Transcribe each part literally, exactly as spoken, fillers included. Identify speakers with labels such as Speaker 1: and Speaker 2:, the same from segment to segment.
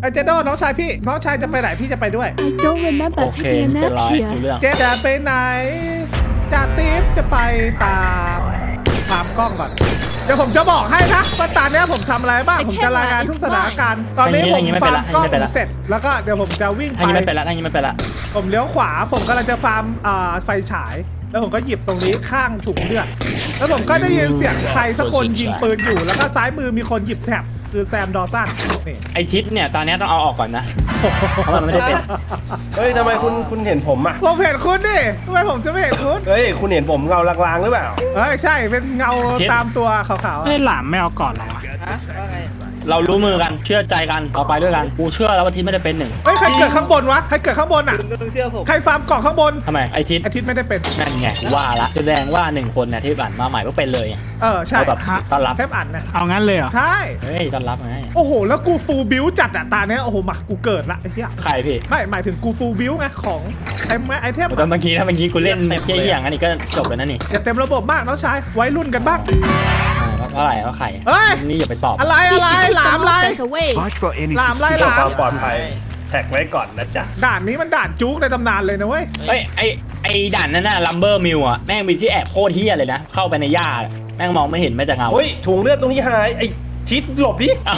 Speaker 1: ไอเจโดน้องชายพี่น้องชายจะไปไหนพี่จะไปด้วย
Speaker 2: I don't remember
Speaker 3: โอเค
Speaker 2: taking a
Speaker 3: เป็น
Speaker 2: nap
Speaker 3: ไร
Speaker 2: here
Speaker 3: ดูเรื่อง
Speaker 1: เจจะไปไหนจ่าติ๊บจะไปตามตามกล้องก่อนเดี๋ยวผมจะบอกให้นะว่าตอนนี้ผมทำอะไรบ้างผมจะรายงานทุกสถานการณ์ตอนนี้ผมฟาร์มกล้องเสร็จแล้วก็เดี๋ยวผมจะวิ่ง
Speaker 3: ทางนี้
Speaker 1: ไป
Speaker 3: ไม่เป็นละทางนี้ไม่เป็นละ
Speaker 1: ผมเลี้ยวขวาผมกำลังจะฟาร์มอ่าไฟฉายแล้วผมก็หยิบตรงนี้ข้างถุงเลือดแล้วผมก็ได้ยินเสียงใครสักคนยิงปืนอยู่แล้วก็ซ้ายมือมีคนหยิบแท็บคือแซมดอสันนี่
Speaker 3: ไอทิศเนี่ยตอนนี้ต้องเอาออกก่อนนะเพราะมันไม่ได้เป็น
Speaker 4: เฮ้ยทำไมคุณคุณเห็นผมอ่ะ
Speaker 1: ผมเห็นคุณดิทำไมผมจะไม่เห็นคุณ
Speaker 4: เฮ้ยคุณเห็นผมเงาลางๆหรือเปล่า
Speaker 1: เฮ้ยใช่เป็นเงาตามตัวขาวๆ
Speaker 5: ไอ้
Speaker 1: อะ
Speaker 5: หลามไม่เอาก่อนเหรอวะ
Speaker 3: เรารู้มือกันเชื่อใจกันเอาไปด้วยกันกูเชื่อแล้วว่าทิศไม่ได้เป็นหนึ่ง
Speaker 1: เฮ้ยใครเกิดข้างบนวะใครเกิดข้างบนอ่ะใครฟาร์มเกาะข้างบน
Speaker 3: ทำไมไอทิศ
Speaker 1: อาทิตย์ไม่ได้เป็น
Speaker 3: นั่นไงว่าละแสดงว่าหนึ่งคนเนี่ยที่ผ่านมาใหม่ก็เป็นเลย
Speaker 1: เออใช่
Speaker 3: เอาแบบต้อนรับ
Speaker 1: เทปอันนะ
Speaker 5: เอางั้นเลยเหรอ
Speaker 1: ใช่
Speaker 3: เฮ้ยต้อนรับไง
Speaker 1: โอ้โหแล้วกูฟูลบิวจัดอะตาเนี้ยโอ้โหมากูเกิดละไอ้เหี้ย
Speaker 3: ใครพี่
Speaker 1: ไม่หมายถึงกูฟูลบิวไงของไอ้ไอเทม
Speaker 3: ตอนเมื่อกี้ถ้าเมื่อกี้กูเล่นเกี้ยอย่างนั้นนี่ก็จบแล้วนะนี่
Speaker 1: อย่าเต็มระบบมากน้องชายไว้รุ่นกันบ้าง
Speaker 3: อ่าก็อะไรก็ไข่
Speaker 1: เฮ้ย
Speaker 3: นี่อย่าไปตอบ
Speaker 1: อะไร
Speaker 2: We
Speaker 1: อะไร
Speaker 2: should keep
Speaker 1: หลาม
Speaker 2: the
Speaker 1: อะไร
Speaker 2: monsters away
Speaker 1: หลามไล่ห
Speaker 4: เพื่อ
Speaker 1: ลา
Speaker 4: ความ มปลอดภัยแท็กไว้ก่อนนะจ๊ะ
Speaker 1: ด่านนี้มันด่านจุกในตำนานเลยนะเว้ย
Speaker 3: เฮ้ยไอไอด่านนั้นน่ะลัมเบอร์มิวอ่ะแม่งมีที่แอบโคตรเฮี้ยเลยนะเข้าไปในหญ้าแม่งมองไม่เห็นแม้แต่เงา
Speaker 4: เฮ้ยถุงเลือดตรงนี้หายไอ้ทิศหลบดิ
Speaker 3: เอ้า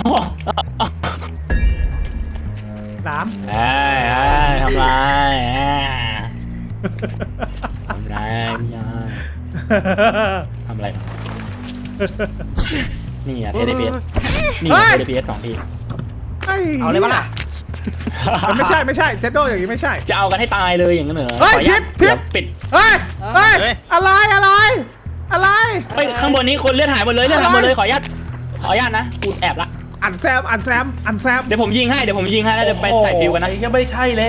Speaker 1: หลาม
Speaker 3: เอ้ยเอ้ยทำไรอ่าทำไรพี่ยาทำอะไรนี่อ่ะเทเลเบียนี่เทเลเบียสองที
Speaker 1: เอาเลยปะล่ะมันไม่ใช่ไม่ใช่เจโดอย่างนี้ไม่ใช่
Speaker 3: จะเอากันให้ตายเลยอย่างนั้นเหรอ
Speaker 1: เฮ้ย
Speaker 3: ขออนุญาต
Speaker 1: พิษพิษ
Speaker 3: เดี๋ยวปิด
Speaker 1: เฮ้ยเฮ้ยอะไรอะไรอะไร
Speaker 3: เฮ้ยข้างบนนี้คนเลือดหายหมดเลยเลือดหายหมดเลยขออนุญาตขออนุญาตนะกูแอบละ
Speaker 1: อันแซมอันแซมอันแซม
Speaker 3: เดี๋ยวผมยิงให้เดี๋ยวผมยิงให้แล้วเดี๋ยวไปใส่ฟิวกันนะ
Speaker 4: ไอ้ก็ไม่ใช่แล้ว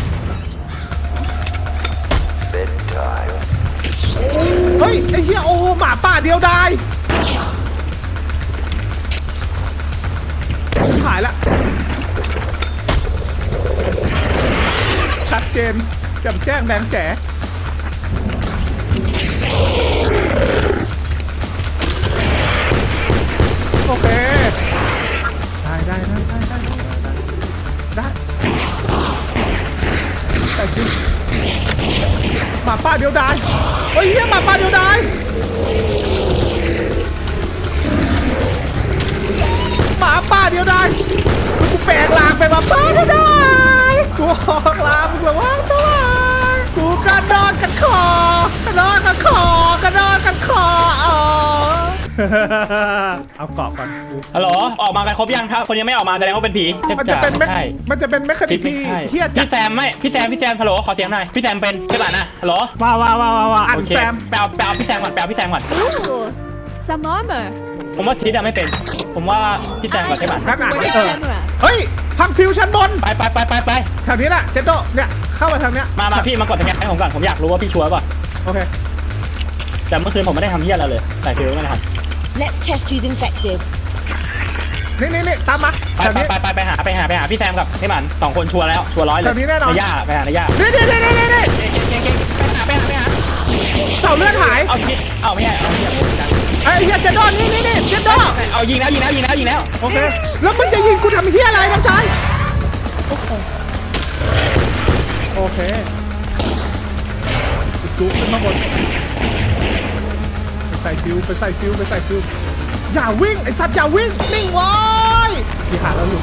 Speaker 1: เฮ้ยไอ้เหี้ยโอ้หมาป่าเดียวดายหายละชัดเจนแจ่มแจ้งแดงแจ๋โอเคได้ได้ได้ได้ได้ได้แต่จริงหมาป่าเดียวดายเฮ้ยเหี้ยหมาป่าเดียวดายหมาป่าเดียวดายกูแปลงร่างเป็นหมาป่าเดียวดายกูออกลามึงแบบว่าเท่าไหร่กูกระโดดกันคอกระโดดกันคอกระโดดกันคออ๋อเอาเกาะก่อน
Speaker 3: ฮัลโหลออกมากันครบยังถ้าคนยังไม่ออกมาแสดงว่าเป็นผีทพ
Speaker 1: มันจะเป็นแม
Speaker 3: ใช่
Speaker 1: มันจะเป็นแมคคานิกที่
Speaker 3: ใช่
Speaker 1: เฮี้ยจัด
Speaker 3: พี่แซมไม่พี่แซมพี่แซมฮัลโหลขอเสียงหน่อยพี่แซมเป็นใช่ป่ะนะฮัลโหล
Speaker 5: ว้าวว้าวว้าวว้าว
Speaker 1: อัน
Speaker 3: โอเค
Speaker 1: แซม
Speaker 3: แปลแปลพี่แซมก่อนแปลพี่แซมก่อน
Speaker 2: Ooh some armor
Speaker 3: ผมว่าทิศอะไม่เป็น ผมว่าพี่แซมก่อนใช่ป่ะ
Speaker 1: นั่นอ่ะ
Speaker 2: Where's
Speaker 1: เอ
Speaker 2: the
Speaker 1: อ
Speaker 2: camera
Speaker 1: เฮ้ยพังฟิวชั้นบน
Speaker 3: ไปไปไปไปไป
Speaker 1: แถวนี้แหละเจนโดเนี่ยเข้ามาทางเนี้ย
Speaker 3: มามาพี่มากดสแกนให้ผมก่อนผมอยากรู้ว่าพี่ชัวร์ป่ะ
Speaker 1: โอเค
Speaker 3: แต่เมื่อคืนผมไม่ได้ทำเหี้ยอะไรเลยใส่ฟิวไม่ได้ท
Speaker 2: Let's test who's infected
Speaker 1: นี่นี่นี่ตามมา
Speaker 3: ำไป
Speaker 1: แถว
Speaker 3: ไป
Speaker 1: นี้
Speaker 3: ไปไปไปหาไปหาไปหาพี่แซมกับพี่หมันสองคนชัวร์แล้วชัวร์ร้อยเลย
Speaker 1: แถวนี้แน่นอน
Speaker 3: ในย่าไปหาในย่า
Speaker 1: นี่นี่นี่นี่นี่
Speaker 3: เก่งเก่งเก่งไปหาไปหาไปหา
Speaker 1: เสาเลือดหาย
Speaker 3: เอาทิศเอาไม่ใช่เอาเหี้ย
Speaker 1: ไอ้เฮียเจนโดนี่นี่นี่เจนโด
Speaker 3: เอายิงแล้วยิงแล้วยิงแล้วยิงแล้ว
Speaker 1: โอเคแล้วมึงจะยิงกูทำเฮียอะไรน้องชายโอ้โหโอเคจุ๊บขึ้นมาบนไปใส่ฟิวไปใส่ฟิวไปใส่ฟิวอย่าวิ่งไอสัตว์อย่าวิ่งนิ่งไว้ที่หาแล้วอยู่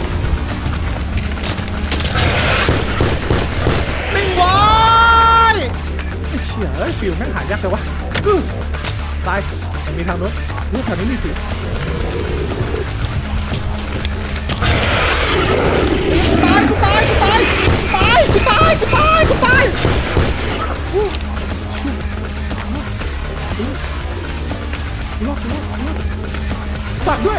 Speaker 1: นิ่งไว้ไอ้เชี่ยเอ้ยฟิวแม่งหายากแต่วะอื้อตายมันมีทางโน้นรู้แถวนี้มีสิตายกูตายกูตายตายกูตายกูตายกูตายอู้รอดรอดรอดตัดด้วย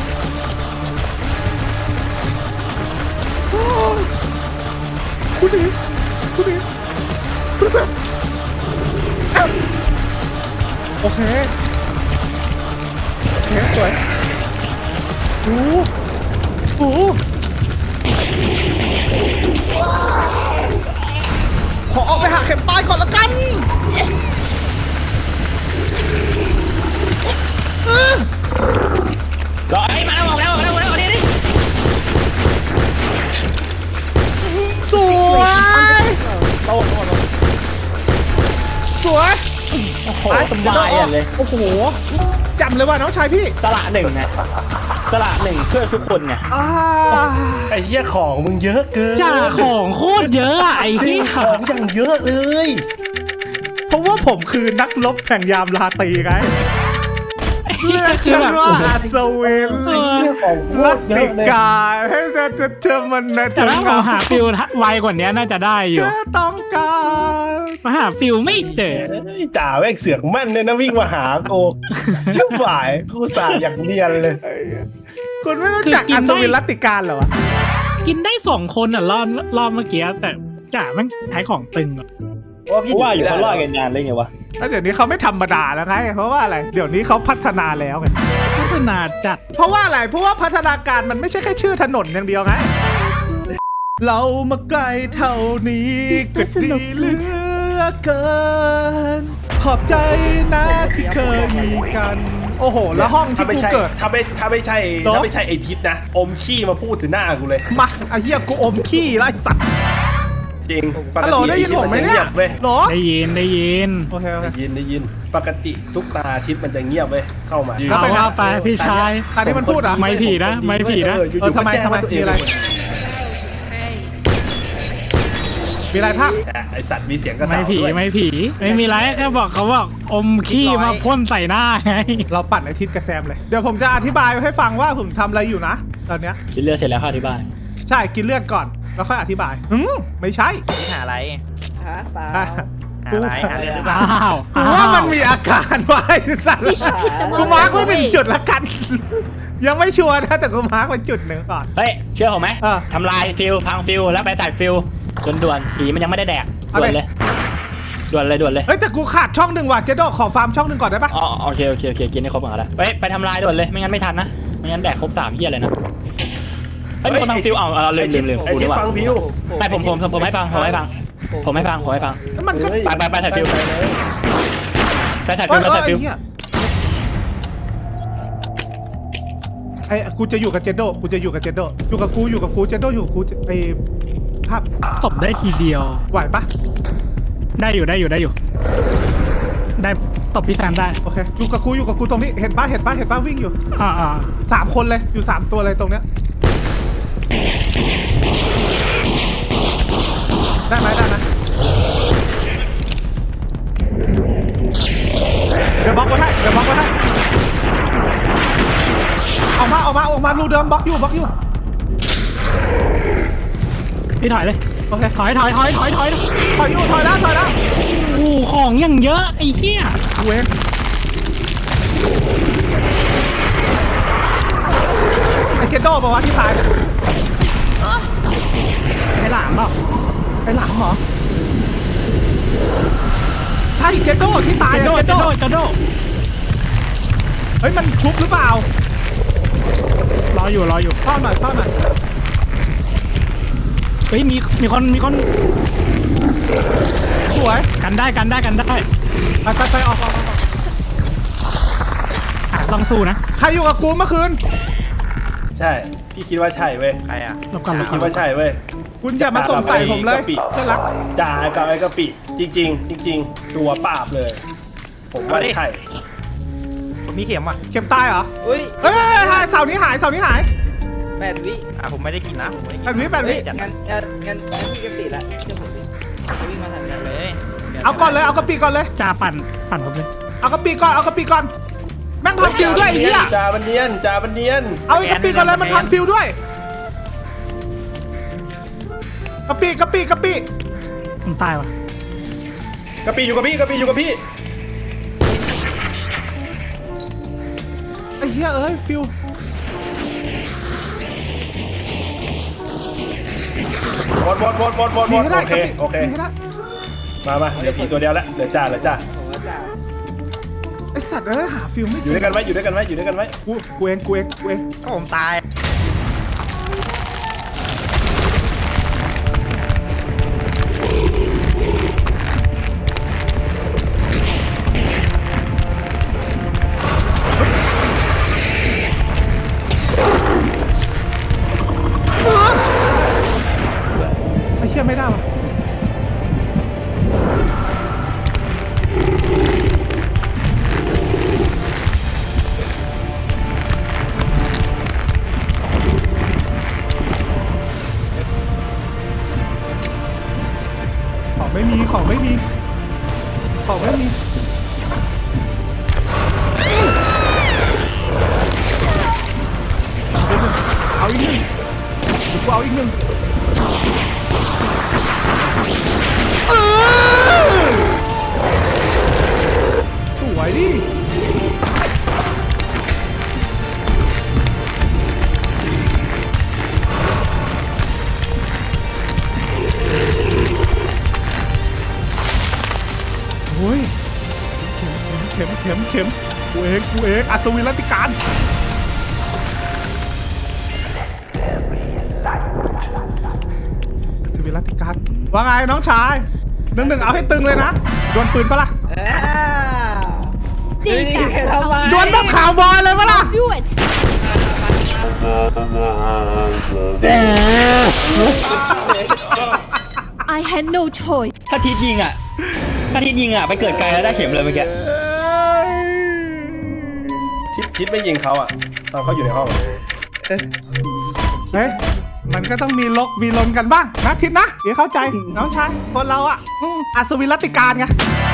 Speaker 1: โอ้ยคุณดีคุณดีคุณแบบโอเคโอเคสวยโอ้โหขอออกไปหาเข็มตายก่อนละกันเออ
Speaker 3: รอไอ้มาแล้วออกแล้วออกแล้วออกแล้วนี่นี่โหสบายอ่ะเลย
Speaker 1: โอ้โหจำเลยว่าน้องชายพี่
Speaker 3: สละหนึ่งไงสละหนึ่งเพื่อทุกคนไง
Speaker 1: อ่า
Speaker 4: ไอ้เหี้ยของมึงเยอะเกิน
Speaker 5: จ่าของโคตรเยอะอะไอ้
Speaker 4: จริ
Speaker 5: ที่
Speaker 4: งของอย่างเยอะเลย
Speaker 1: เพราะว่าผมคือนักรบแห่งยามราตรีไง
Speaker 5: เรียกชื่อแบบ
Speaker 1: ว่าอัศวิน
Speaker 5: เออ
Speaker 4: เรื่องของโค
Speaker 1: รั
Speaker 4: ต
Speaker 1: ต
Speaker 4: รเย
Speaker 1: ติ
Speaker 4: อะเลย
Speaker 1: กาให้จะจะเจอมันนะ
Speaker 5: แต่ถ้าผมหาฟิลไวกว่านี้น่าจะได้อยู่
Speaker 1: แค่ต้องการ
Speaker 5: มาหาฟิลไม่เจอ
Speaker 4: เฮ้ยจ่าแม่งเสือกแม่นเลยนะวิ่งมาหากูชิบหายกูสาอย่างเนียนเลย
Speaker 1: คุณไม่รู้จักอัศวินรัตติการเหรอวะ
Speaker 5: กินได้สองคนอ่ะรอบรอบเมื่อกี้แต่จ่าแม่งขายของตึงอ่ะ
Speaker 3: เพราะว่าอยู่เขารอดกันนานเลยไงวะ
Speaker 1: แล้วเดี๋ยวนี้เขาไม่ธรรมดาแล้วไงเพราะว่าอะไรเดี๋ยวนี้เขาพัฒนาแล้วไง
Speaker 5: พัฒนาจัด
Speaker 1: เพราะว่าอะไรเพราะว่าพัฒนาการมันไม่ใช่แค่ชื่อถนนอย่างเดียวไงเรามาไกลเท่านี้ก็ดีเหลือเกิน ขอบใจนะที่เคยมีกัน โอ้โห แล้วห้องที่
Speaker 4: ถ้าไม่
Speaker 1: กู
Speaker 4: ใช่
Speaker 1: เกิด
Speaker 4: ถ้าไม่ถ้าไม่ใช่
Speaker 1: เหรอ
Speaker 4: ถ้าไม่ใช่ไอทิศนะ อมขี้มาพูดถึงหน้ากูเลย
Speaker 1: มาไอ้เหี้ยกูอมขี้ไล่สัตว์
Speaker 4: จริงปก
Speaker 1: ฮัลโหล
Speaker 4: ติ
Speaker 1: ได้
Speaker 4: ไอ
Speaker 1: ยิน
Speaker 4: ทิศ
Speaker 1: ผม
Speaker 4: มัน
Speaker 1: ไหม
Speaker 4: จะ
Speaker 1: เนี่
Speaker 4: เงี
Speaker 1: ย
Speaker 4: ยบเว้ย
Speaker 1: หรอ
Speaker 5: ได้ยินได้ยิน
Speaker 1: โอเคโอเค
Speaker 4: ได้ยินได้ยินปกติทุกตาทิศมันจะเงียบเว้ยเข้ามา
Speaker 1: เข้า
Speaker 5: เอา
Speaker 1: ไป
Speaker 5: ว่าไปพี่ชาย
Speaker 1: อันนี้มันพูดเหรอ่ะ
Speaker 5: ไม่ผีนะไม่ผีนะ
Speaker 4: เอออยู่
Speaker 1: เออ
Speaker 4: ๆ
Speaker 1: ทำไม
Speaker 4: ก็แจ้ง
Speaker 1: ทำไม
Speaker 4: ว่าตัวเอง
Speaker 1: มีอะไร มีอะไรภาพ
Speaker 4: อ่ะไอสัตว์มีเสียงกระเสา
Speaker 5: ไม่ผี
Speaker 4: ด้วย
Speaker 5: ไม่ผีไม่มีไรแค่บอกเขาบอกอมขี้มาพ่นใส่หน้าไง
Speaker 1: เราปั่นไอทิศกับแซมเลย เดี๋ยวผมจะอธิบายให้ฟังว่าผมทำอะไรอยู่นะ ตอนเนี้ย
Speaker 3: คิดเลือดเสร็จแล้วเข้าที่บ้าน
Speaker 1: ใช่กินเลือดก่อน แล้วค่อยอธิบายอืมไม่ใช่
Speaker 6: หาอะไร
Speaker 7: ฮะเปล่า
Speaker 6: หาอะไรหาเรื่องหรือเปล่า
Speaker 5: อ้าว
Speaker 1: กูว่ามันมีอาการไว้สัตว์
Speaker 2: We should keep the
Speaker 1: กูมาร์ก
Speaker 2: monsters
Speaker 1: ไว้หนึ่ง
Speaker 2: away.
Speaker 1: จุดละกัน ยังไม่ชัวร์นะแต่กูมาร์กไว้จุดหนึ่งก่อน
Speaker 3: เฮ้ยเชื่อผมไหม
Speaker 1: เออ
Speaker 3: ทำลายฟิลพังฟิลแล้วไปใส่ฟิลด่วนๆผีมันยังไม่ได้แดก
Speaker 1: เอา
Speaker 3: ด่ว
Speaker 1: เลย
Speaker 3: นเลยด่วนเลยด่วนเลย
Speaker 1: เฮ้ยแต่กูขาดช่องหนึ่งว่ะเจโดขอฟาร์มช่องหนึ่งก่อนได้ปะ
Speaker 3: อ๋อโอเคโอเคโอเคกินให้ครบก่อนก็ได้เฮ้ยไปทำลายด่วนเลยไม่งั้นไม่ทันนะไม่งั้นแดกครบสามเหี้ยเลยนะเฮ้ยมีคนพังฟิลเอาเอาลืมลืมลืม
Speaker 4: ไอ
Speaker 3: กู
Speaker 4: ทิ
Speaker 3: นึ
Speaker 4: ศ
Speaker 3: กว่า
Speaker 4: ฟังพิว
Speaker 3: ไม่ผมผมผมผมให้ฟังผมให้ฟังผมให้ฟังผมให้ฟัง
Speaker 1: แล้วมันก็
Speaker 4: เฮ้ย
Speaker 3: ไปไปไปถ่ายฟิว
Speaker 4: ไปเลย
Speaker 3: ไปใส่
Speaker 1: เอ้
Speaker 3: ฟิล
Speaker 1: ย
Speaker 3: ไป
Speaker 1: เอ้ย
Speaker 3: ใส่ฟิล
Speaker 1: เหี้ยไอ้กูจะอยู่กับเจโดกูจะอยู่กับเจโดอยู่กับกูอยู่กับกูเจโดอยู่กับกูไอ้ภาพ
Speaker 5: ตบได้ทีเดียว
Speaker 1: ไหวปะ
Speaker 5: ได้อยู่ได้อยู่ได้อยู่ ได้ตบพี่แซมได้
Speaker 1: โอเคอยู่กับกูอยู่กับกูตรงนี้เห็นปะเห็นปะเห็นปะวิ่งอยู่
Speaker 5: อ่าอ่า
Speaker 1: สามคนเลยอยู่สามตัวเลยตรงเนี้ยได้ไหมได้ไหมเดี๋ยวบล็อกไว้ให้เดี๋ยวบล็อกไว้ให้ออกมาออกมาออกมารูเดิมบล็อกอยู่บล็อกอยู่
Speaker 5: พี่ถอยเลย
Speaker 1: โอเค
Speaker 5: ถอยถอยถอยถอยถอย
Speaker 1: ถอยอยู่ถอยแล้วถอยแล้ว
Speaker 5: โอ้ของอย่างเยอะไอ้เหี้ย
Speaker 1: เว้งไอเจโดบอกว่าที่ตาย
Speaker 5: ไอ้หลามเปล่า
Speaker 1: ไอหลังเหรอใช่เจโดที่ตาย
Speaker 5: จะ
Speaker 1: อะ
Speaker 5: โด
Speaker 1: เจ
Speaker 5: จะ
Speaker 1: โด
Speaker 5: โดจะโด
Speaker 1: เฮ้ยมันชุบหรือเปล่าร
Speaker 5: ออยู่รออยู่
Speaker 1: เข้าหน่อยเข้าหน่อย
Speaker 5: เฮ้ยมีมีคนมีคน
Speaker 1: สวย
Speaker 5: กันได้กันได้กันได้
Speaker 1: ไปไปไปออกออกออก
Speaker 5: อ่ะต้องสู้นะ
Speaker 1: ใครอยู่กับกูเมื่อคืน
Speaker 4: ใช่พี่คิดว่าใช่เว้ย
Speaker 6: ใครอ่ะ
Speaker 5: รบก่อนรบก่
Speaker 4: คิ
Speaker 5: อ
Speaker 4: ด
Speaker 5: น
Speaker 4: ว่าใช่เว้ย
Speaker 1: คุณอย่ามาส่งใส่ผมเลยเพื่อนรัก
Speaker 4: จ่ากับไอ้กะปิจริง ๆ จริง ๆ ตัวปราบเลย ผมว่าใช่
Speaker 6: ผมมีเข็มอ่ะ
Speaker 1: เข็มตายเหรอ
Speaker 7: อุ้ย
Speaker 1: เฮ้ยเฮ้ยเฮ้ยเสาร์นี้หายเสาร์นี้หาย
Speaker 7: แปดวิ
Speaker 6: อ่ะผมไม่ได้กินนะผมไม่ได้กิ
Speaker 1: แปดวิแปดวิ
Speaker 7: เฮ้ยงั้นงั้นงั้นงั้นพี่กะปิละเชื่อผมดิจะวิ่งมาทัน
Speaker 6: น
Speaker 7: กัน
Speaker 6: เลย
Speaker 1: เอาก่อนเลยเอากระปีก่อนเลย
Speaker 5: จ่าปั่นปั่นผมเลย
Speaker 1: เอากระปีก่อนเอากระปีก่อนแม่งพันฟิวด้วยไอ้เหี้ย
Speaker 4: จ่าบันเนียนจ่าบันเนียน
Speaker 1: เอาไอ้กระปีก่อนเลยมันพันฟิวด้วยกระปีกระปีกระปี
Speaker 5: ผมตายว่ะ
Speaker 4: กะปิอยู่กับพี่กะปิอยู่กับพี่
Speaker 1: ไอ้เหี้ยเอ้ยฟิว
Speaker 4: หมดหมดหมดหมดหมดห
Speaker 1: ห
Speaker 4: ม
Speaker 1: นี
Speaker 4: ด
Speaker 1: ให้ได้
Speaker 4: โอก เค
Speaker 1: ระปี
Speaker 4: โอเค
Speaker 1: หนีให้ได้
Speaker 4: มามาเหลือผีตัวเดียวแล้วเหลือจ่าเหลือจ่า
Speaker 7: ผมว่าจ่า
Speaker 1: ไอสัตว์เอ้ยหาฟิวไม่
Speaker 4: อยู่ด้วยกันไว้อยู่ด้วยกันไว้อยู่ด้วยกันไว้
Speaker 1: กูกูเองกูเองกูเอง
Speaker 6: ก็ผมตาย
Speaker 1: ไอ้เหี้ยไม่ได้ว่ะของไม่มีของไม่มีเอาอีกหนึ่งกูเอาอีกหนึ่งเออสวยดิโอ้ยเข็มเข็มเข็มกูเองกูเองอัศวินรัตติการอัศวินรัตติการว่าไงน้องชายหนึ่งหนึ่งเอาให้ตึงเลยนะดวลปืนปะล่ะ
Speaker 7: เอ้า
Speaker 2: Stay
Speaker 7: นี่
Speaker 2: back.
Speaker 7: ทำไม
Speaker 1: ดวลแบบข่าวบอยเลยปะล่ะ
Speaker 2: Do it. I had no choice.
Speaker 3: ถ้าทิศยิงอ่ะถ้าทิศยิงอ่ะไปเกิดไกลแล้วได้เข็มเลยเมื่อกี้
Speaker 4: ทิศทิศไม่ยิงเขาอ่ะตอนเขาอยู่ในห้องอะ
Speaker 1: เฮ้ยมันก็ต้องมีลกมีลนกันบ้างนะทิศนะเดี๋ยวเข้าใจน้องชายคนเราอ่ะอืมอัศวินรัตติการไง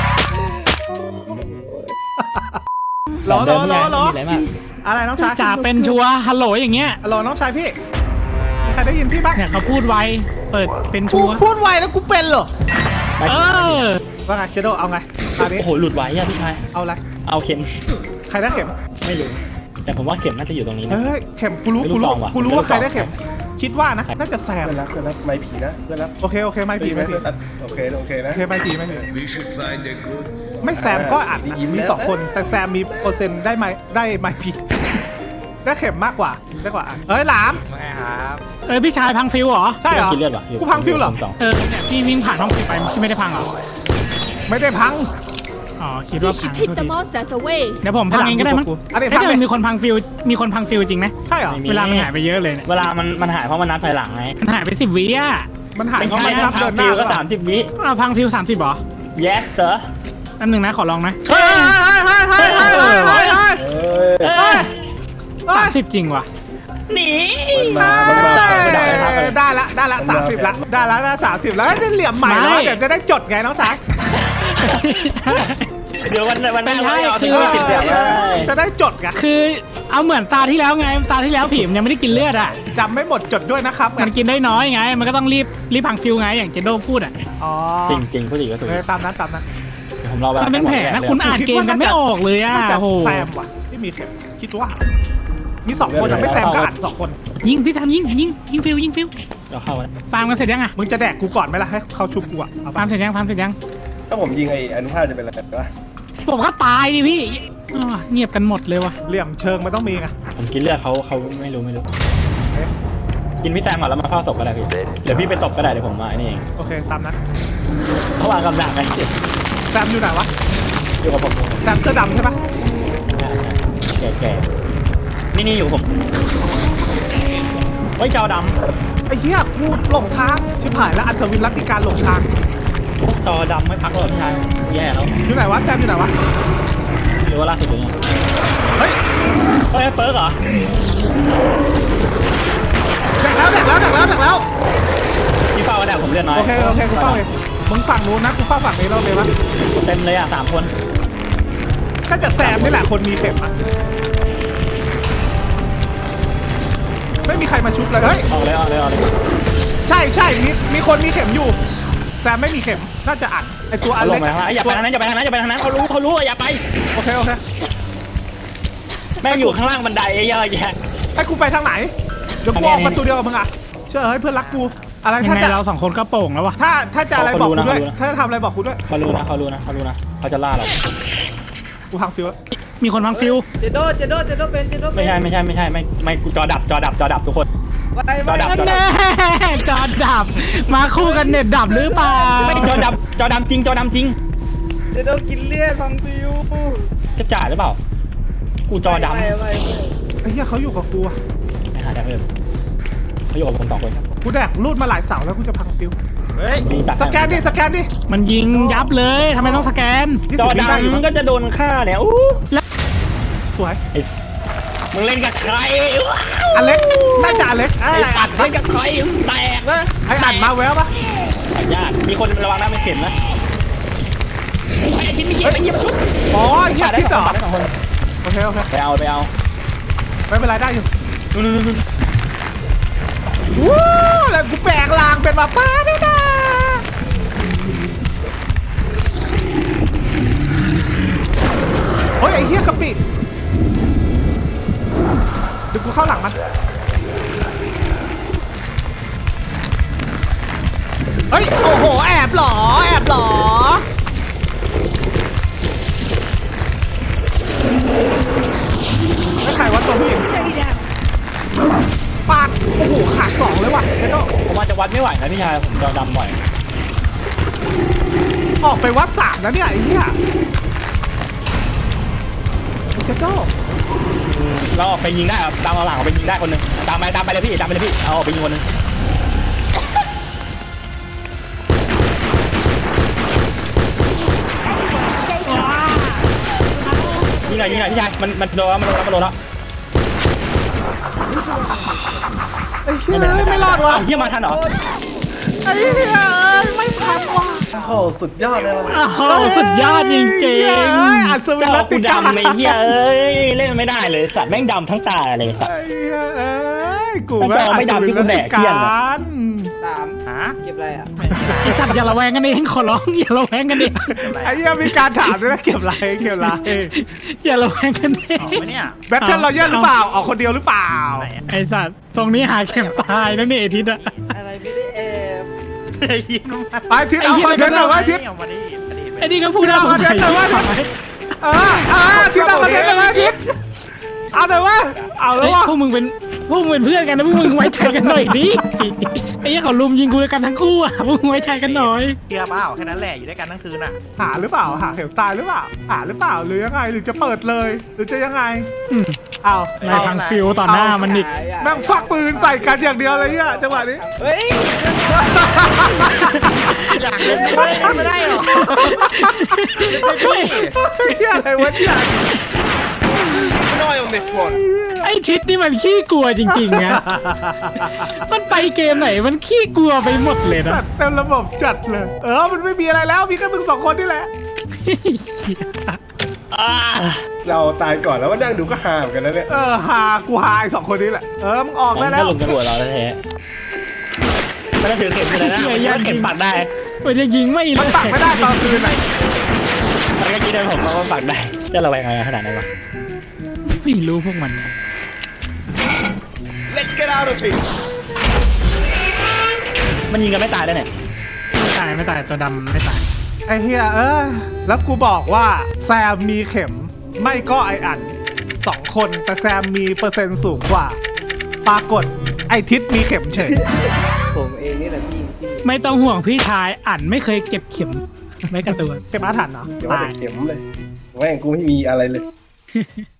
Speaker 1: หรอหรอหรอหรอ
Speaker 3: อะไรมาก
Speaker 1: อะไรน้องชาย
Speaker 5: จ่าเป็นชัวร์ฮัลโหลอย่างเงี้ย
Speaker 1: ฮัลโหลน้องชายพี่มีใครได้ยินพี่บ้าง
Speaker 5: เนี่ยเขาพูดไวเปิดเป็น
Speaker 1: กู
Speaker 5: ชัวร์
Speaker 1: พูดไวแล้วกูเป็นเหรอ
Speaker 5: เออ
Speaker 1: ว่าไงเจโดเอาไงตอนนี้
Speaker 3: โอ้โหหลุดไว้อะพี่ชาย
Speaker 1: เอาอะไร
Speaker 3: เอาเข็ม
Speaker 1: ใครได้เข็ม
Speaker 3: ไม่รู้แต่ผมว่าเข็มน่าจะอยู่ตรงนี้นะ
Speaker 1: เฮ้ยเข็มกูรู้
Speaker 3: ไม่
Speaker 1: กู
Speaker 3: รู้
Speaker 1: รู้
Speaker 3: ลองว่ะ
Speaker 1: กูรู้ว่าใครได้เข็ม คิดว่านะ
Speaker 3: ใคร
Speaker 1: น่าจะแซม
Speaker 4: เพื่อนรักเพื่อนรักไม่ผีนะเพื่อนรัก
Speaker 1: โอเคโอเคไม่ผีไม่ผี
Speaker 4: โอเคโอเคนะ
Speaker 1: โอเคไม่ผีไม่ผี
Speaker 8: We should find a good
Speaker 1: ไม่แซมก็อาจ
Speaker 4: อ่ายิ้ม
Speaker 1: มี
Speaker 4: แล้ว
Speaker 1: สองคน แต่แซมมีเปอร์เซ็นต์ได้ไหมได้ไหมผีได้เข็มมากกว่าได้กว่าอันเอ้ยหลาม
Speaker 6: ไม่ครับ
Speaker 5: เออพี่ชายพังฟิวเหรอ
Speaker 1: ใช่เหรอ
Speaker 3: กินเลือดวะยู่
Speaker 1: กูพังฟิวเหรอ
Speaker 3: สอง
Speaker 5: เออเนี่ยพี่วิ่งผ่านห้องฟิวไปพี่ไม่ได้พังเหรอ
Speaker 1: ไม่ได้พัง
Speaker 5: อ๋อคิด
Speaker 2: We
Speaker 5: ว่าพั
Speaker 2: should
Speaker 5: ง
Speaker 2: keep
Speaker 5: โทษ
Speaker 2: the
Speaker 5: ที
Speaker 2: monsters away.
Speaker 5: เดี๋ยวผมพังเองก็ได้มั้ง
Speaker 1: อันนี้
Speaker 5: เฮ้ย
Speaker 1: พัง
Speaker 5: แต่
Speaker 1: เลย
Speaker 5: มันมีคนพังฟิวมีคนพังฟิวจริงไหม
Speaker 1: ใช่เหรอ
Speaker 5: เวลามันหายไปเยอะเลยเนี่ย
Speaker 3: เวลามันมันหายเพราะมันนับถอยหลังไง
Speaker 5: มันหายไปสิบวิอ่ะ
Speaker 1: มันหาย
Speaker 3: ไม่
Speaker 1: เพราะ
Speaker 3: ใช่
Speaker 1: มัน
Speaker 3: นะ
Speaker 1: นับ
Speaker 3: พั
Speaker 1: เดิ
Speaker 3: ง
Speaker 1: นห
Speaker 3: ฟิ
Speaker 1: น้าว
Speaker 3: ก็สามสิบวิ
Speaker 5: อ่าพังฟิวสามสิบเหรอ
Speaker 3: yes sir
Speaker 5: อันหนึ่งนะขอลองนะ
Speaker 1: เฮ้ยเฮ้ยเฮ้ยเฮ้ยเฮ้ยเฮ้ยเฮ้ย
Speaker 4: เอ้ย
Speaker 3: เอ้ย
Speaker 5: สามสิบจริงว่ะ
Speaker 3: หนี
Speaker 4: มันมามันมา
Speaker 1: ได้ละได้ละสามสิบละได้ละได้สามสิบแล้วได้เหลี่ยมใหม่แล้วเดี๋ยวจะได้จดไงน้องชาย
Speaker 3: เดี๋ยววันวันหน้า
Speaker 5: ไม่ใช่
Speaker 3: เราเอา
Speaker 5: คื
Speaker 3: ถึ
Speaker 5: อ
Speaker 3: งสิบแบบเลย
Speaker 1: จะได้จดไง
Speaker 5: คือเอาเหมือนตาที่แล้วไงตาที่แล้วผีมันยังไม่ได้กินเลือดอ่ะ
Speaker 1: จำไม่หมดจดด้วยนะครับ
Speaker 5: มันกินได้น้อยไง มันก็ต้องรีบรีบพังฟิวไงอย่างเจโดพูดอ่ะ
Speaker 1: อ๋อ
Speaker 3: จริงจริงผู้หญิงก็ถูก
Speaker 1: เออตามนั้นตามนั้น
Speaker 3: เดี๋ยวผมรอเวลา
Speaker 5: มันเป็นแผลนะคุณอ่านเกมกันไม่ออกเลยอ่ะ
Speaker 1: น่าจะ
Speaker 5: โอ้โห
Speaker 1: แซมว่ะที่มีเข็มคิดว่า มีสองคนอะไม่แซมก็อ่านสองคน
Speaker 5: ยิงพี่ทำยิงยิงยิงฟิวยิงฟิว
Speaker 3: เราเข้าแล้ว
Speaker 5: ฟาร์มกันเสร็จยังอ่ะ
Speaker 1: มึงจะแดกกูก่อนไหมล่ะให้เขาชุบกูอะเอา
Speaker 5: ฟา
Speaker 1: ปะ
Speaker 5: ร์มเสร็จยังฟาร์มเสร็จยัง
Speaker 4: ถ้าผมยิงไอ้อนุภาพจะเป็นอะไรวะ
Speaker 5: ผมก็ตายดิพี่อ้อเงียบกันหมดเลยว่ะ
Speaker 1: เหลี่ยมเชิงมันต้องมีไง
Speaker 3: ผมกินเลือดเขาเขาไม่รู้ไม่รู้ กินพี่แซมก่อนแล้วมาเข้าศพก็ได้พี่เดี๋ยวพี่ไปตบก็ได้เดี๋ยวผมมาไอ้นี่เอง
Speaker 1: โอเคตามนั้น
Speaker 3: เขาวางกำลังไง
Speaker 1: แซมอยู่ไหนวะ
Speaker 3: อยู่กับผม
Speaker 1: แซมเสื้อดำใช่ปะ
Speaker 3: แก่แก่นี่นี่อยู่กับผมเฮ้ยจอด
Speaker 1: ไอ้เหี้ยกูหลงทางชิบหายแล้วอัศวินรัตติการหลงทาง
Speaker 3: ำจอดำไม่พักหรอกพี่ชายแย่แล้ว
Speaker 1: อยู่ไหนวะแซมอยู่ไหนวะ
Speaker 3: หรือว่าล่าสุดอยู่เนี่ย
Speaker 1: เฮ้ย
Speaker 3: เฮ้ยเปิร์กเหรอ
Speaker 1: แดกแล้วแดกแล้วแดกแล้วแดกแล้ว
Speaker 3: พี่เฝ้าก็ได้ผมเลือดน้อย
Speaker 1: โอเคโอเคกูเฝ้าเองมึงฝั่งนู้นนะกูเฝ้าฝั่งนี้เราเลยวะ
Speaker 3: เต็มเลยอ่ะสามคน
Speaker 1: ก็จะแซมนี่แหละคนมีเข็มอะไม่มีใครมาชุบเลยเฮ้ย
Speaker 3: ออกเลยออกเลยออกเลย
Speaker 1: ใช่ใช่มีมีคนมีเข็มอยู่แซมไม่มีเข็มน่าจะอัดไอตัวอั
Speaker 3: เอา
Speaker 1: น
Speaker 3: ล
Speaker 1: เล็
Speaker 3: ง
Speaker 1: ก
Speaker 3: ไปทางนั้นอย่าไปทางนั้นอย่าไปทางนั้นอย่าไปทางนั้นเขารู้เขารู้อย่าไป
Speaker 1: โอเคโอเค
Speaker 3: แม่งอยู่ข้างล่างบันไดเยอะแยะ
Speaker 1: ให้กูไปทางไหนเดี๋ยวกูออกประตูเดียวกับมึงอ่ะเชื่อเฮ้ยเพื่อนรักกูอะไร
Speaker 5: ยัง
Speaker 1: ถ้า
Speaker 5: ไง
Speaker 1: จะ
Speaker 5: เราสองคนก็โป่งแล้วว่ะ
Speaker 1: ถ้าถ้าจะอะไรบอกกูด้วยถ้าจะทำอะไรบอกกูด้วย
Speaker 3: เขารู้นะเขารู้นะเขารู้นะเขาจะล่าเรา
Speaker 1: กูพังฟิวแล้ว
Speaker 5: มีคนพังฟิว
Speaker 7: เจโดเจโดเจโดเป็นเจโดเป็น
Speaker 3: ไม่ใช่ไม่ใช่ไม่ใช่ไม่ไม่กูจอดับจอดับจอดับทุกคน
Speaker 7: ไปไป
Speaker 3: จอดับ
Speaker 5: แน่จอดับ มาคู่กันเน็ตดับหรือเปล่า
Speaker 3: ไม่จอดับจอดำจริงจอดำจริง
Speaker 7: เจโดกินเลือดฟังฟิว
Speaker 3: จะจ่ายหรือเปล่ากูจอดำ
Speaker 7: ไปไปไป
Speaker 1: ไอ้เหี้ยเขาอยู่กับกูอะ
Speaker 3: ไม่หาได้เพิ่มเขาอยู่กับผมสองคน
Speaker 1: กูแดกรูดมาหลายเสาแล้วกูจะพังฟิว
Speaker 6: เฮ้ย
Speaker 3: ดีตัด
Speaker 1: สแกนดิสแกนดิ
Speaker 5: มันยิงยับเลยทำไมต้องสแกน
Speaker 1: ที่
Speaker 3: จอ
Speaker 1: สุดได้อยู่
Speaker 3: ดำ
Speaker 1: มั้ง
Speaker 3: ก็จะโดนฆ่าเนี่ยอู้
Speaker 1: สวย
Speaker 3: มึงเล่นกับใคร
Speaker 1: อเล็กน่าจะอเล็กไอ้
Speaker 3: ไอ้
Speaker 1: อั
Speaker 3: อั
Speaker 1: ด
Speaker 3: ดเล่นกับใครแตกนะ
Speaker 1: ไอ้อัดมาแววปะ
Speaker 3: ญาติมีคนระวังนะไม่เข็มนะไอ้ทิศไม่เกี่ยวไอ้เหี้ยมันชุบ
Speaker 1: อ๋อไอ้เหี้ยทิศเหรอ
Speaker 3: ได้สองคน
Speaker 1: โอเคโอเค
Speaker 3: ไปเอาไปเอา
Speaker 1: ไม่เป็นไรได้อยู่
Speaker 3: นู่นนู่นนู่น
Speaker 1: วู้แล้วกูแปลงร่างเป็นหมาป้าด้วยนะเฮ้ยไอ้เหี้ยกะปิเดี๋ยวกูเข้าหลังมันเฮ้ยโอ้โหแอบเหรอแอบเหรอไม่ใครวะตัวผู้หญิงปาดโอ้โหขาดสองเลยว่ะเจ๊โด
Speaker 3: ผมว่าจะวัดไม่ไหวนะพี่ชายผมจะดำบ่อย
Speaker 1: ออกไปวัดสามแล้วเนี่ยไอ้เหี้ยเจ๊โด
Speaker 3: เราออกไปยิงได้ครับตามเอาหลังออกไปยิงได้คนหนึ่งตามไปตามไปเลยพี่ตามไปเลยพี่เอาออกไปยิงคนหนึ่งยิงหน่อยยิงหน่อยพี่ชายมันมันโดนแล้วมันโดนแล้วมันโดนแล้ว
Speaker 1: ไอ้เหี้ยไม่รอดว่ะ
Speaker 3: เฮียมาทันเหรอ
Speaker 1: ไอ้เหี้ยไม่ทันว่ะ
Speaker 4: โอ้โหสุดยอดเลยว่ะ
Speaker 5: โอ้โหสุดยอดจริง
Speaker 1: เอ้ยอัศวิน
Speaker 3: จอ
Speaker 1: รัต
Speaker 3: กู
Speaker 1: ติกา
Speaker 3: ดำไอ้เฮียเอ้ยเล่นไม่ได้เลยสัตว์แม่งดำทั้งตาเลยสัตว์
Speaker 1: ไอ้เหี้ยเอ้ยกู
Speaker 3: ถ้าจอไม่ดำที่กูแดกเที่ยงอะ
Speaker 7: สาม
Speaker 6: ฮะ
Speaker 7: เก็บอะไรอ่ะ
Speaker 5: ไอสัตว์อย่าระแวงกันเองขอร้องอย่าระแวงกันเอง
Speaker 1: ไอ้เหี้ยมีการถามด้วยนะเก็บไรเก็บไร
Speaker 5: อย่าระแวงกันเอง
Speaker 6: ออกไหมเนี่ย
Speaker 1: แบทเทิลรอยัลหรือเปล่าออกคนเดียวหรือเปล่า
Speaker 6: ไหนอะ
Speaker 5: ไอสัตว์ตรงนี้หาเข็มตายแล้วนี่ไอทิศอะ
Speaker 7: อะไรไม่ได้แอบ
Speaker 6: ไอ้ยิงมา
Speaker 1: ไปทิศเอาคอนเทนต์หน่อยไว้ทิศ
Speaker 6: เอามาดิอดีต
Speaker 5: ไอนี่ก็พูดน่าสงสัย
Speaker 1: เอามาเดี๋ยว เออเออทิศเอาคอนเทนต์หน่อยไว้ทิศเอาหน่อยวะเอาแล้
Speaker 5: เฮ้
Speaker 1: วย วะ
Speaker 5: พวกมึงเป็นพวกมึงเป็นเพื่อนกันนะพวกมึงไว้ใจกันหน่อยดิไอ้เหี้ยเขาลุมยิงกูด้วยกันทั้งคู่อะพวกมึงไว้ใจกันหน่อย
Speaker 6: เชื่อเปล่าแค่นั้นแหละอยู่ด้วยกันทั้งคืนอ่ะ
Speaker 1: หาหรือเปล่าหาเข็มตายหรือเปล่าหาหรือเปล่าหรือยังไงหรือจะเปิดเลย หรือจะยังไง
Speaker 5: อืม
Speaker 1: เอา
Speaker 5: นายทางฟิลต่อหน้ามันอีก
Speaker 1: แม่งฟักปืนใส่กันอย่างเดียวเลยเนี่ยจังหวะนี้
Speaker 7: เฮ้ย
Speaker 6: อยากเล่นไม่ได้ไม่ได้หรอ
Speaker 1: เฮ้ยอะไรวะเนี่ย
Speaker 5: ไอ้ทิศนี่มันขี้กลัวจริงๆนะ มันไปเกมไหนมันขี้กลัวไปหมดเลยนะ
Speaker 1: สัตว์เต็มระบบจัดเลย เออมันไม่มีอะไรแล้วมีแค่มึงสองคนนี่แหละ
Speaker 3: อ่า
Speaker 4: เราตายก่อนแล้วว่านั่งดูก็ฮาเหมือนกันนะเนี่ย
Speaker 1: เออหากูหาไอ้สองคนนี้แหละเออมึงออกได้
Speaker 3: มัน
Speaker 1: แล้
Speaker 3: ก็
Speaker 1: ว
Speaker 3: ลงกระโดดเราแท้ๆไม่ต้องถือเข็มเลยนะมันเข็มปักได้
Speaker 5: มันจะยิงไม่เลิ
Speaker 1: มัน
Speaker 5: ก
Speaker 1: ปักไม่ได้ตอนคืนไหน
Speaker 3: มันก็คิดได้ผมว่ามันปักได้จะระแวงอะไรขนาดนั้นวะ
Speaker 5: ไม่รู้พวกมัน
Speaker 3: มันยิงกันไม่ตายได้เนี่ย
Speaker 5: ไม่ตายไม่ตายตัวดำไม่ตาย
Speaker 1: ไอ้เฮียเออแล้วกูบอกว่าแซมมีเข็มไม่ก็ไออันสองคนแต่แซมมีเปอร์เซ็นต์สูงกว่า ปรากฏไอทิศมีเข็มเฉย
Speaker 7: ผมเองนี่แหละที่ที่
Speaker 5: ไม่ต้องห่วงพี่ชายอันไม่เคยเก็บเข็มไว้กับตัว
Speaker 1: เข็มอาถรรพ์เนาะ
Speaker 4: เดี๋ยวว่าแต่เข็มเลยแม่งกูไม่มีอะไรเลย